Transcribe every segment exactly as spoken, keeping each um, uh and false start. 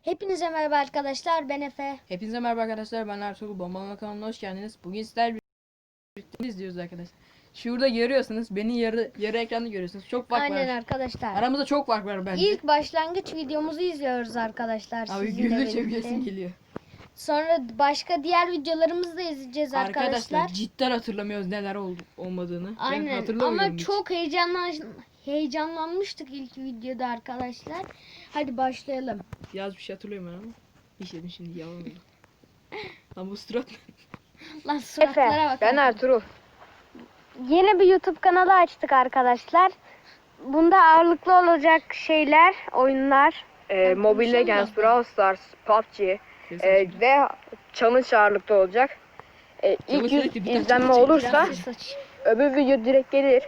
Hepinize merhaba arkadaşlar, ben Efe. Hepinize merhaba arkadaşlar, ben Ertuğrul. Bombalama kanalına hoş geldiniz. Bugün sizlerle birlikte izliyoruz arkadaşlar. Şurada görüyorsunuz, beni yarı yarı ekranda görüyorsunuz. Çok fark Aynen var. arkadaşlar. Aramızda çok fark var bence. İlk başlangıç videomuzu izliyoruz arkadaşlar. Abi sizinle güldükçe birlikte. gülesim geliyor. Sonra başka diğer videolarımızı da izleyeceğiz arkadaşlar. Arkadaşlar cidden hatırlamıyoruz neler oldu olmadığını. Ben Aynen hatırlamıyorum ama hiç. çok heyecanlan heyecanlanmıştık ilk videoda arkadaşlar. Hadi başlayalım. Yaz bir şey hatırlıyorum ben ama. Hiç yedim şimdi yalan oldu. Lan bu surat ne? Lan suratlara bak. Ben Ertuğrul. Yeni bir YouTube kanalı açtık arkadaşlar. Bunda ağırlıklı olacak şeyler, oyunlar. Ee, Mobile Legends, Brawl Stars, P U B G Kesin e, şimdi. ve challenge ağırlıklı olacak. E, Challenge ilk yüz sürekli bir tane izlenme challenge olursa Biraz ses aç. öbür video direkt gelir.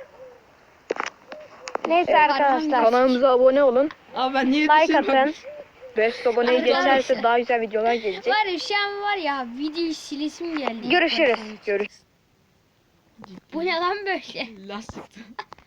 Neyse Evet, arkadaşlar. Kanalımıza abone olun. Abi ben niye Like düşürmem? atın. beş aboneyi Arkadaşlar. geçerse daha güzel videolar gelecek. Var ya şu an var ya videoyu silesim geldi. Görüşürüz. Görüşürüz. Bu ne lan böyle? Las çıktı.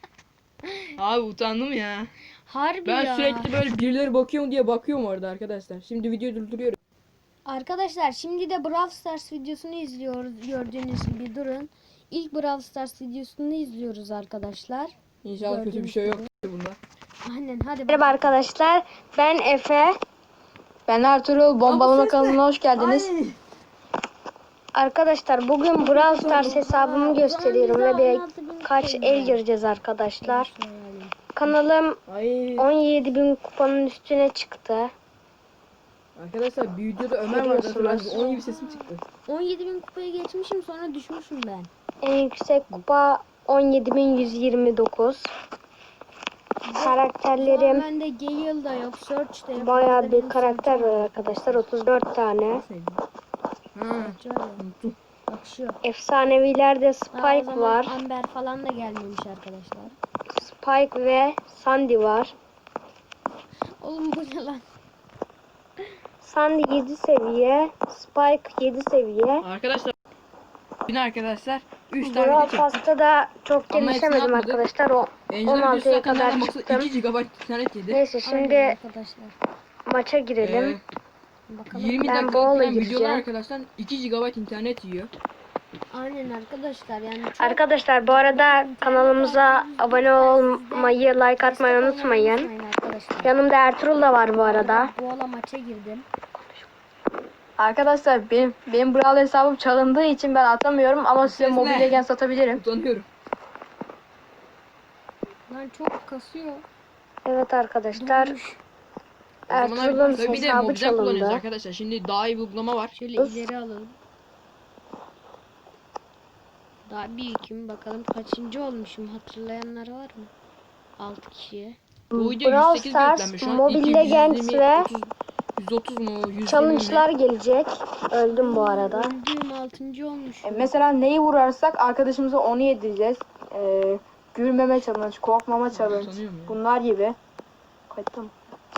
Abi utandım ya. Harbi Ben ya. sürekli böyle birileri bakıyor mu diye bakıyorum orada arkadaşlar. Şimdi videoyu durduruyorum. Arkadaşlar şimdi de Brawl Stars videosunu izliyoruz. Gördüğünüz gibi durun. İlk Brawl Stars videosunu izliyoruz arkadaşlar. İnşallah kötü bir şey yok bunda. Aynen hadi Merhaba arkadaşlar. Ben Efe. Ben Ertuğrul. Bombalama ses kanalına hoş geldiniz. Ay. Arkadaşlar bugün Brawl Stars hesabımı gösteriyorum ve birkaç el gireceğiz arkadaşlar. Kanalım Ay. on yedi bin kupanın üstüne çıktı. Arkadaşlar bir videoda Ömer vardı hatırlarsınız. Görüyorsunuz. Onun gibi sesim çıktı. on yedi bin kupaya geçmişim sonra düşmüşüm ben. En yüksek kupa on yedi bin yüz yirmi dokuz. Karakterlerim Ben de Gale da yok, Search de yok. bayağı Orada bir benim karakter var arkadaşlar. otuz dört tane. Nasıl neydi? Ha. Search var ya. Unuttum. Bak şu. Efsanevilerde Ha, o Spike zaman var. Amber falan da gelmemiş arkadaşlar. Spike ve Sandy var. Oğlum bu ne lan? Sandy yedi seviye, Spike yedi seviye. Arkadaşlar. Yine arkadaşlar. üç tane Brawl video çektik. Pass'ta da çok Ama hepsini gelişemedim atmadık. arkadaşlar. O Angela on altıya videosu zaten kadar nereden baksa çıktım. iki gigabayt internet yedi. Neyse Aynen şimdi arkadaşlar. maça girelim. Ee, Bakalım. yirmi Ben dakika Brawl'a falan videolar gireceğim. arkadaşlar iki gigabayt internet yiyor. Aynen arkadaşlar yani çok Arkadaşlar bu arada kanalımıza abone olmayı, like atmayı unutmayın. arkadaşlar. Yanımda Ertuğrul da var bu arada. Bu ala maça girdim. Arkadaşlar benim benim Brawl hesabım çalındığı için ben atamıyorum ama size Ses ne? Mobile Legends atabilirim. Utanıyorum. Lan çok kasıyor. Evet arkadaşlar. Durmuş. O zaman abi, Ertuğrul'un tabii bir de hesabı mobilden kullanıyoruz çalındı. arkadaşlar. Şimdi daha iyi bir uygulama var. Şöyle Öf. ileri alalım. Daha bir kim bakalım kaçıncı olmuşum hatırlayanlar var mı? altı kişiye. Bu video Brawl yüz sekiz Stars, yüklenmiş şu an. Mobile İlk Legends yüz yirmi, ve otuz, yüz otuz mu? yüz yirmi mi? Challenge'lar gelecek. Öldüm bu arada. Öldüğüm altıncı olmuşum. E, mesela neyi vurarsak arkadaşımıza onu yedireceğiz. E, gülmeme challenge, korkmama challenge. Utanıyorum ya. Bunlar gibi. Kayıttım.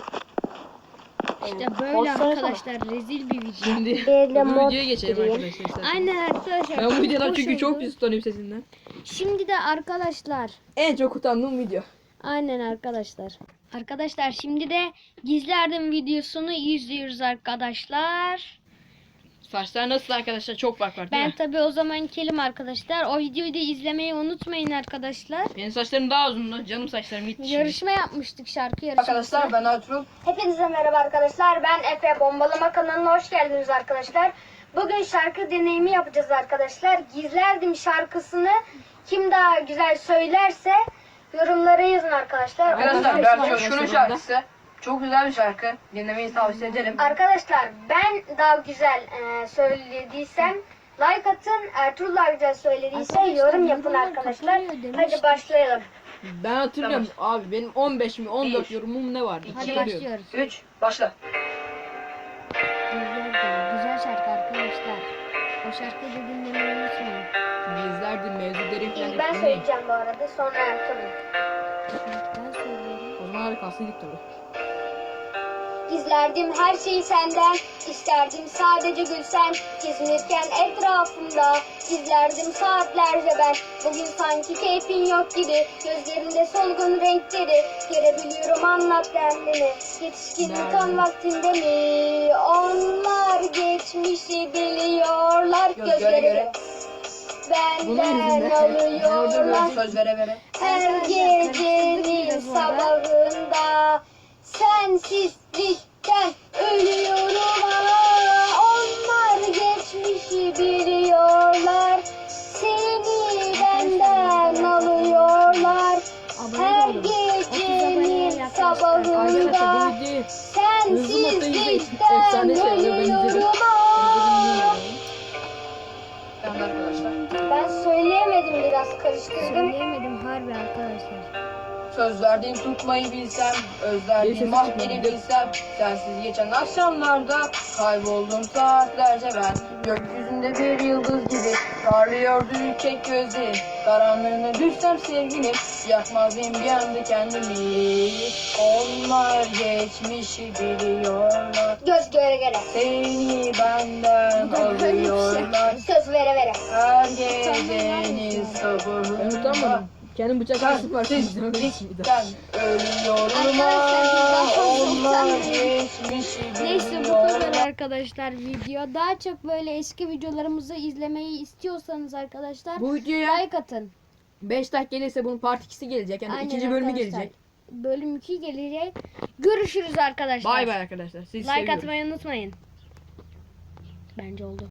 İşte böyle Postlara arkadaşlar rezil bir video. Şimdi Böyle bu mod videoya geçelim gireyim. arkadaşlar. isterseniz. Aynen arkadaşlar. Ben bu çok videodan hoş çünkü çok oldu. pis utanıyorum sesinden. Şimdi de arkadaşlar. En çok utandığım video. Aynen arkadaşlar. Arkadaşlar şimdi de gizlerdim videosunu izliyoruz arkadaşlar. Saçlar nasıl arkadaşlar? Çok fark var değil Ben mi? tabi o zaman kelim arkadaşlar. O videoyu da izlemeyi unutmayın arkadaşlar. Benim saçlarım daha uzundu. Canım saçlarım gitti şimdi. Yarışma yapmıştık, şarkı yarışması. Arkadaşlar ben Ertuğrul. Hepinize merhaba arkadaşlar. Ben Efe. Bombalama kanalına hoş geldiniz arkadaşlar. Bugün şarkı deneyimi yapacağız arkadaşlar. Gizlerdim şarkısını kim daha güzel söylerse yorumlara yazın arkadaşlar. Arkadaşlar Ondan ben sonra- Coşkun'un şarkısı. Çok güzel bir şarkı. Dinlemeyi tavsiye ederim. Arkadaşlar ben daha güzel e, söylediysem like atın. Ertuğrul daha güzel söylediyse Arkadaşlar, yorum yapın yorumlar arkadaşlar. katılıyor demiştik. Hadi başlayalım. Ben hatırlıyorum abi benim on beş mi on dört Bir. yorumum ne vardı? Hadi Hatırlıyorum. başlıyoruz. üç başla. Güzel, güzel şarkı arkadaşlar. O şarkıyı da dinlemeyi unutmayın. Bizlerdi mevzuları falan İlk ben dinleyin. söyleyeceğim bu arada sonra Ertuğrul. Ben söylüyorum. O zaman hadi kalsaydık tabii. Gizlerdim her şeyi senden, isterdim sadece gülsen, gezinirken etrafımda. Gizlerdim saatlerce ben, bugün sanki keyfin yok gibi, gözlerinde solgun renkleri, görebiliyorum anlat derdini, yetişkinlik Derdim. an vaktinde mi? geçmişi biliyorlar. Gözlere göre. Bunun Benden yüzünden. Orada alıyorlar. böyle Söz vere vere. Her gecenin sabahında sensizlikten ölüyorum ama onlar geçmişi biliyorlar. Seni benden alıyorlar. Her gecenin sabahında Arkadaşlar bu videoyu hızlı modda izleyin. sensizlikten Efsane şey oluyor, ben izledim. ölüyorum ama. Yani arkadaşlar. Ben söyleyemedim, biraz karıştırdım. Söyleyemedim harbi arkadaşlar. Söz verdiğim tutmayı bilsem, özlerdiğim Neyse, mahveni sıçma. bilsem, sensiz geçen akşamlarda kayboldum saatlerce ben. Gökyüzünde bir yıldız gibi parlıyordu ürkek gözlerim. Karanlığına düşsem sevgilim, yakmaz mıyım bir anda kendimi. Onlar geçmişi biliyorlar, Göz göre göre. seni benden alıyorlar. Söz vere vere. Her gecenin Ben sabahında utanmadım. Kendim bıçak kesip var. sensizlikten ölüyorum Arkadaşlar, biz daha fazla onlar utanmıyoruz. geçmişi Neyse bu biliyorlar. kadar arkadaşlar video. Daha çok böyle eski videolarımızı izlemeyi istiyorsanız arkadaşlar Bu videoya like atın. beş dakika gelirse bunun part ikisi gelecek. Yani Aynen ikinci bölümü arkadaşlar. gelecek. Bölüm iki gelecek. Görüşürüz arkadaşlar. Bay bay arkadaşlar. Sizi Like seviyorum. atmayı unutmayın. Bence oldu.